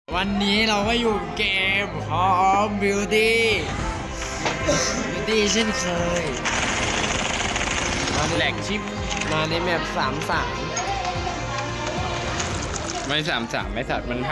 วันนี้เราก็อยู่เกม Call of Duty เช่นเคยมาแหลกชิปมาในแมป3-3 ไม่3-3ไม่สัตว์มัน5 5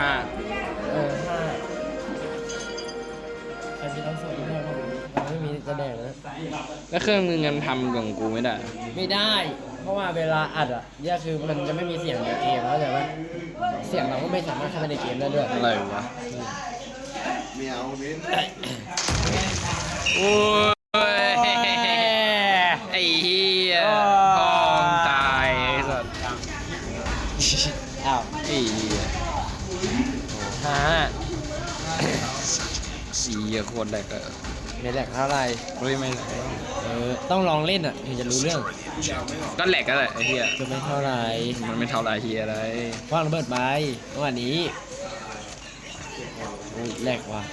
ใครมีต้องส่งให้ผมเราไม่มีจะแดงนะแล้วเครื่องนึงมันทำกับกูไม่ได้ไม่ได้ เพราะว่าเวลาอัดอ่ะเนี่ยคือมันจะไม่มีเสียงในเกมเข้าใจปะเสียงเราก็ไม่สามารถเข้าไปในเกมได้ด้วยอะไรวะไม่เอาเว้นโอ้ยไอ้เหี้ยพองตายไอ้สัตว์อ้าวไอ้เหี้ยฮ่าสีเหี้ยโคตรแหลกอะไม่แหลกเท่าไหร่เฮ้ยไม่แหลกต้องลองเล่นอ่ะถึงจะรู้เรื่องก็แหลกก็แหละไอ้เหี้ยจะไม่เท่าไหร่มันไม่เท่าไรเหี้ยอะไรว่างระเบิดไปเมื่อวานนี้โอ้ยแหลกว่ะ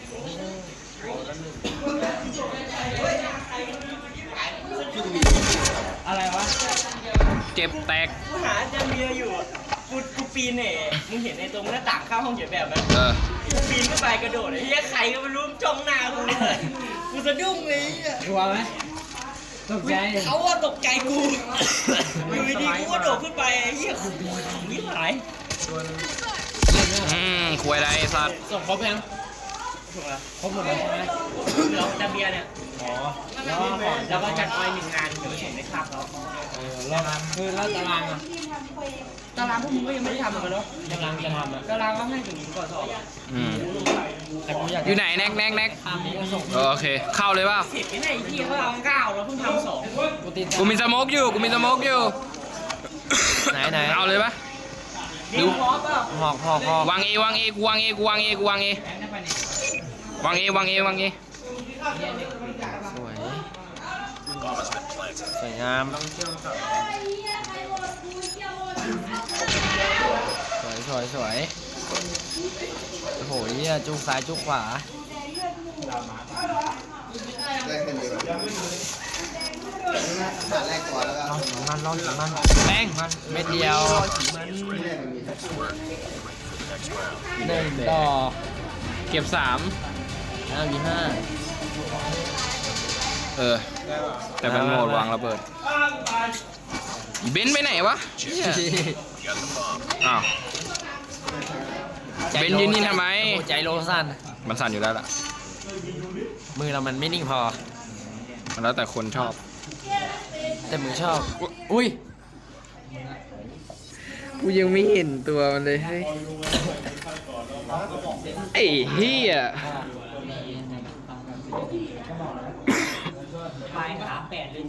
อะไรวะเจ็บแตกกูหาอาจารย์เบียร์อยู่กูปีนเนี่ยมึงเห็นในตรงหน้าต่างเข้าห้องเขียนแบบไหม กูปีนขึ้นไปกระโดดไอ้เหี้ยใครก็ไม่รู้จ้องหน้ากูเลยกูสะดุ้งเลยไอ้เหี้ยกลัวไหมตกใจเขาว่าตกใจกูอยู่ดีๆกูก็โดดขึ้นไปไอ้เหี้ยกูยิ่งหายคุยอะไรไอ้สัตว์ส่งครบยังถูกแล้วครบหมดแล้วใช่ไหมเหลืออาจารย์เบียร์เนี่ยอ๋อแล้วก็ก่อนแล้วก็จัดไว้1 งานเดี๋ยวไปส่งในคาบเขาแล้วคือแล้วตารางอ่ะตารางพวกมึงก็ยังไม่ได้ทำกันเนาะตารางจะทำอ่ะตารางก็ให้ถึงก่อนสอบแต่กูอยากอยู่ไหนแน็กแน็กแน็กทำนี้ก็ส่งโอเคเข้าเลยเปล่าเสร็จไม่ได้ไอ้เหี้ยเขาเอา9แล้วเพิ่งทำ2 กูติดกูมีสโมกอยู่กูมีสโมกอยู่ไหนเอาเลยปะดิวพร้อมเปล่าหอกวางเอวางเอกูวางเอกูวางเอกูวางเอวางเอวางเอวางเอสวยสวยงามสวยโอ้โหเหี้ยจุกซ้ายจุกขวาได้แค่นี้หาแรกก่อนแล้วก็ลองมันแป้งเม็ดเดียวหนึ่งดอกเก็บ3 5v5 แต่เป็นโหมดวางระเบิดอีเบนซ์ไปไหนวะเนี่ยอ้าวเบนซ์ยืนนี่ทำไมใจโลสั้นมันสั่นอยู่แล้วล่ะมือเรามันไม่นิ่งพอมันแล้วแต่คนชอบแต่มือชอบ อุ้ยกูยังไม่เห็นตัวมันเลยเฮ้ยไอ้เหี้ยปลายขา8หรือ7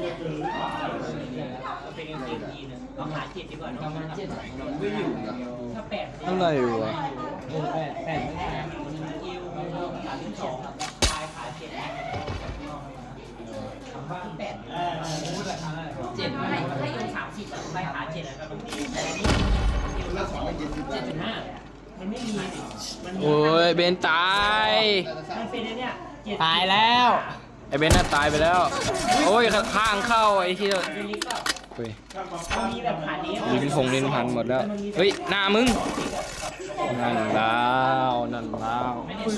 เป็นกางเกงยีนนะเอาขา7ดีกว่าเนาะถ้า8 อะไรวะแปดไม่ได้ยิว32ปลายขา7 8 7ไม่ถ้ายิว30ปลายขา7แล้วก็แต่นี่ยิวแล้วสองไม่กินสิบแล้ว 7.5มันไม่มีมันมีโอ้ยเบนซ์ตายมันเป็นไอ้เนี่ย7 ตายแล้วไอ้เบนซ์น่ะตายไปแล้ว โอ้ยข้างเข้าไอ้ที่เป็นลิฟต์เปล่าเฮ้ยมันมีแบบขานี้ลิ้นพงลิ้นพันหมดแล้ว เฮ้ยหน้ามึง นั่นแล้วนั่นแล้ว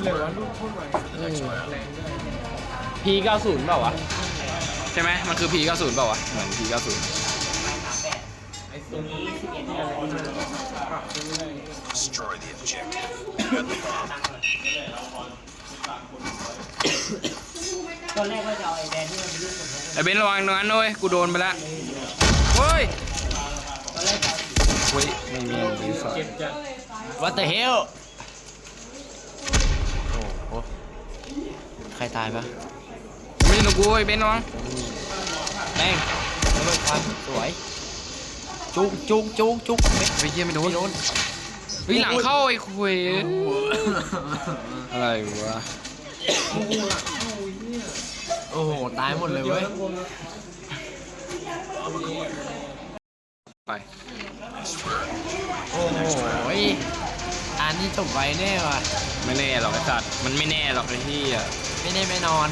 P90 เปล่าวะ ใช่ไหมมันคือ P90 เปล่าวะ เหมือน P90 ตรงนี้11เนี่ยตอนแรกว่าจะเอาไอ้แบรนด์ที่มันเป็นรูปผมไอ้เบนซ์ระวังตรงนั้นด้วยกูโดนไปแล้วเฮ้ยเฮ้ยไม่มีรีสอร์ท What the hell โอ้โหใครตายปะไม่ใช่หนูกูไอ้เบนซ์ระวังแป้งระเบิดควันสวย จุกไปเยี่ยไม่โดนเฮ้ยหลังเข้าไอ้คุยอะไรวะโอ้โห ตายหมดเลยเว้ยไปโอ้โหอันนี้จบไวแน่ว่ะไม่แน่หรอกไอ้สัตว์มันไม่แน่หรอกไอ้ที่อ่ะไม่แน่ไม่นอน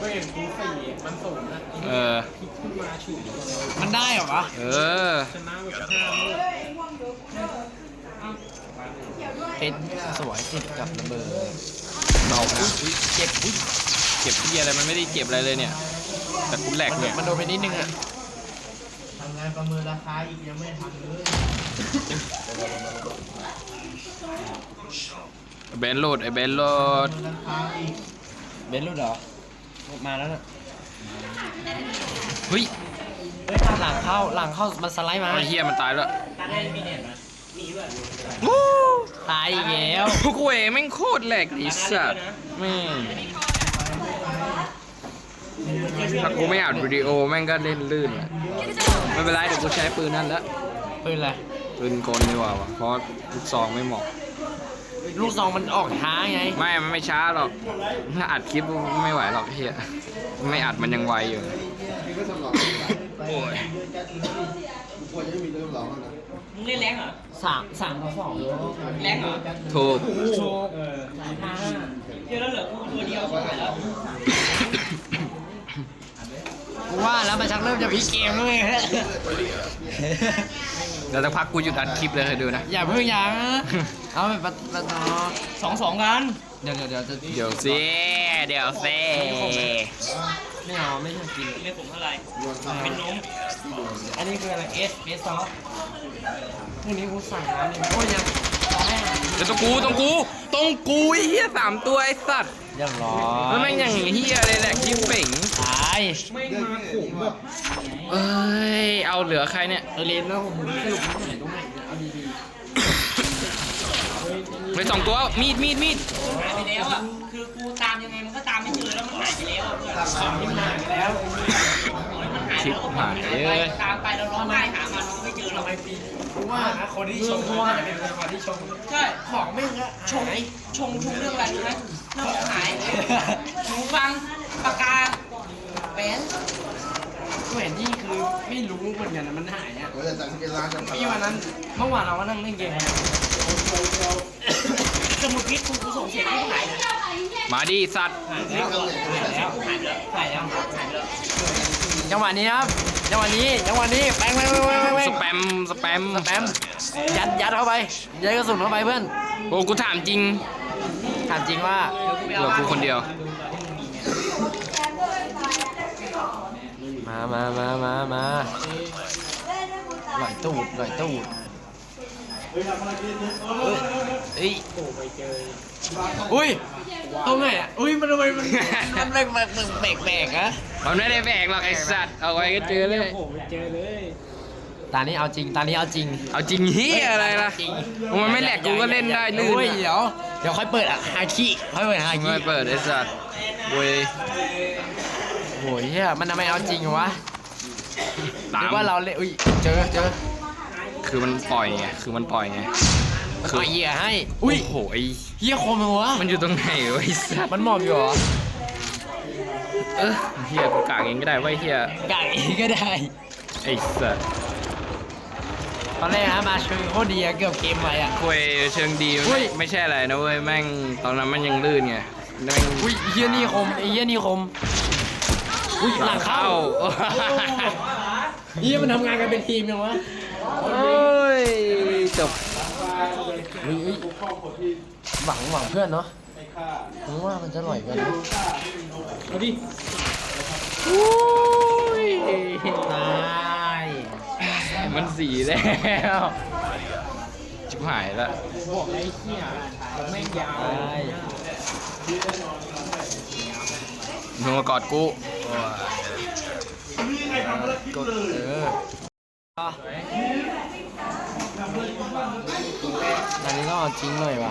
เออมันได้เหรอวะเออเพชรสวยติดกับระเบิดเบานะเจ็บอุ๊ยเก็บที่อะไรมันไม่ได้เก็บอะไรเลยเนี่ย แต่กูแหลกเนี่ยมันโดนไปนิดนึงอ่ะทำงานประเมินราคาอีกยังไม่ทำเลยเบนโหลดไอ้เบนโหลดราคาอีกเบนซ์รู้เหรอมาแล้วน่ะเฮ้ยเฮ้ยหลังเข้ามันสไลด์มาไอ้เฮียมันตายแล้วตาได้มีเน็ตไหมมีด้วยตายอีกแล้วกูเอ๋แม่งโคตรแหลกดิสัตว์แม่งถ้ากูไม่อ่านวิดีโอแม่งก็เล่นลื่นอะไม่เป็นไรเดี๋ยวกูใช้ปืนนั่นแล้วปืนอะไรปืนกลดีกว่าวะเพราะลูกซองไม่เหมาะลูกซองมันออกช้าไงไม่มันไม่ช้าหรอกถ้าอัดคลิปไม่ไหวหรอกเฮียไม่อัดมันยังไวอยู่พี่ก็ทำหลอกโอ้ยกูควรจะไม่มีเรื่องหลอกนะมึงเล่นแรงเหรอ 3-2 แรงเหรอถูกโชกเดี๋ยวแล้วเหลือกูตัวเดียวชิบหายแล้วกูว่าแล้วมันชักเริ่มจะพลิกเกมแล้วไงเดี๋ยวสักพักกูหยุดอัดคลิปเลยเคยดูนะอย่าเพิ่งยังเอาไปปัดต่อ 2-2กันเดี๋ยวจะเดี๋ยวสิเดี๋ยวสิไม่เอาไม่ชอบกินเล่นผมเท่าไหร่โยนข้าวเป็นนมอันนี้คืออะไรเอสซอสพรุ่งนี้กูสั่งร้านนี้โอ้ยยังรอให้เดี๋ยวต้องกูไอ้เหี้ย3 ตัวไอ้สัตว์เรียบร้อแล้วยแม่งอย่างเหี้ยเลยแหละคลิปเป่งตายไม่มาขุมแบบเอ้ยเอาเหลือใครเนี่ยเลนแล้วผมสรุปไม่ไหนตรงไหนเอาดีไป2 ตัวมีดหายไปแล้วอ่ะ คือกูตามยังไงมันก็ตามไม่เจอแล้วมันหายไปแล้วอะเพื่อนๆของที่มันหายไปแล้วมันหายไปแล้วก็มันหายไปตามไปแล้วร้องไห้หามันก็ไม่เจอเรากูว่านะคนที่ชมว่าจะเป็นคนที่ชมใช่ของแม่งก็ชงเรื่องอะไรรู้ไหมเรื่องของหายหูฟังปากกาแหวนกูเห็นที่คือไม่รู้เหมือนกันนะมันหายอ่ะเวลาจากสเก็ตร้านจะพี่วันนั้นเมื่อวานเราก็นั่งเล่นเกมสมุดพิษกูส่งเสียงให้หายเลยมาดิสัตว์หายแล้วหายไปแล้วหายแล้วหายไปแล้วจังหวะนี้ครับจังหวะนี้แป้งสแปมสแปมยัดเข้าไปยัดกระสุนเข้าไปเพื่อนโอ้กูถามจริงถามจริงว่าเหลือกูคนเดียวมาหน่อยตูดเอ้ยอุ้ยตรงไหนอ่ะอุ้ยมันทำไมมันแปลกอะมันไม่ได้แบกหรอกไอ้สัตว์เอาไว้ก็เจอเลยตานี้เอาจริงเอาจริงเฮียอะไรล่ะมันไม่แหลกกูก็เล่นได้ลื่นโอ้ยเดี๋ยวค่อยเปิดฮาคิค่อยเปิดฮาคิไม่เปิดไอ้สัตว์เว้ยโอ้ยเฮียมันทำไมเอาจริงวะตาหรืมอว่าเราเล่นอุ้ยเจอคือมันปล่อยไงต่อยเหยื่อให้อุ้ยโหยเฮียคมเลยวะมันอยู่ตรงไหนวะไอ้สัตว์มันหมอบอยู่เหรอเฮียกูกากเองก็ได้ไว้เฮียไก่ก็ได้ไอ้สัตว์ตอนแรกนะมาเชิงโคตรดีอะเกือบเกมไปอะคุยเชิงดีอุ้ยไม่ใช่อะไรนะเว้ยแม่งตอนนั้นมันยังลื่นไงแม่งอุ้ยเฮียนี่คมไอ้เฮียนี่คมอุ้ยหลังเข้าเฮียมันทำงานกันเป็นทีมยังวะโอ้ยจบอุ้ยหวังเพื่อนเนาะผมว่ามันจะอร่อยกันนะเอาดิอุ้ยตายมันสีแล้วชิบหายละบอกไอ้เหี้ยแม่งยาวตายมึงมากอดกูกดอันนี้ก็เอาจริงหน่อยว่ะ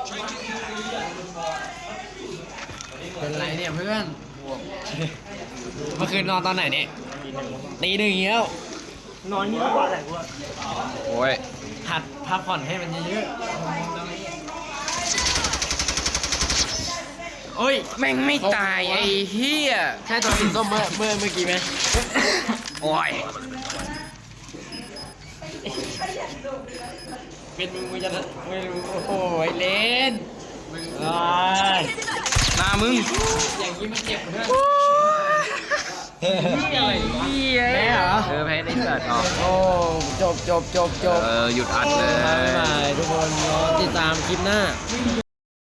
เป็นไรเนี่ยเพื่อนเมื่อคืนนอนตอนไหนเนี่ยตีหนึ่งเงี้ยนอนนี่ก็กว่าแหละกูโอ้ยหัดพักผ่อนให้มันเยอะโอ้ยแม่งไม่ตายไอ้เหี้ยใช่ตัวสีส้มเมื่อกี้ไหมโอ้ยเป็นมึงจะไม่รู้โอ้ยเลนหน้ามึงอย่างนี้มันเจ็บเพื่อนแพ้เหรอแพ้ในสัตว์ออกโอ้จบหยุดอัดเลยบ๊ายบายทุกคนรอติดตามคลิปหน้า